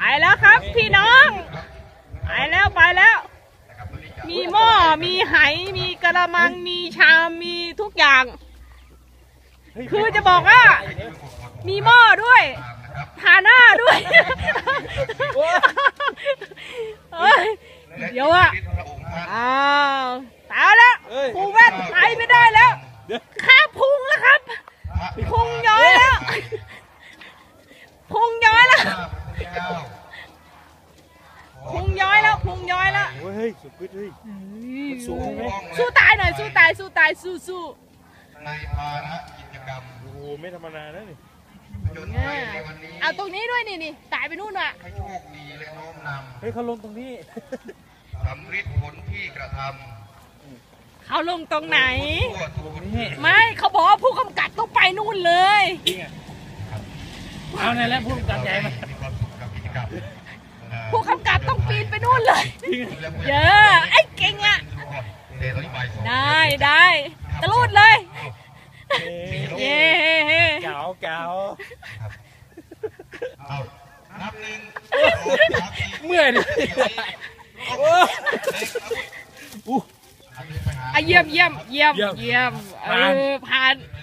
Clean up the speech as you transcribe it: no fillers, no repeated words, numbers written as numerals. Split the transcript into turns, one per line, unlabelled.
แล้วครับพี่น้องไปแล้วมีหม้อมีไหมีกระมังมีชามมีทุกอย่างคือจะบอกว่ามีหม้อด้วยทาหน้าด้วยเดี๋ยวอะตายแล้วครูแว่นไปไม่ได้แล้วข้าพุงแล้วครับพุงย้อยแล้วพุงย้อยแล้ว
เฮ้ยสุดเฮ้ยสูงไหม
สู้ตายหน่อยสู้
ในภาระกิจกรรม
โอ้โหไม่ธรรมดานะนี่
เอาตรงนี้ด้วยนี่ตายไปนู่นว่ะ
ให้โชคดีและน้อมนำ
เฮ้ยเขาลงตรงนี้
สำฤทธิ์ผลที่กระท
ำเขาลงตรงไหน
ไม่
เขาบอกว่าผู้กำกับต้องไปนู่นเลย
จริงอ่ะเอาในแล้วผู้กำกับใหญ่มา
ผู้กำกับต้องปีนไปนู่นเลยเยอะไอ้เก่งอ่ะได้ตะลุดเลยเย้
เก๋า
นับหนึ่ง
เมื่อยดิ
เยี่ยมผ่าน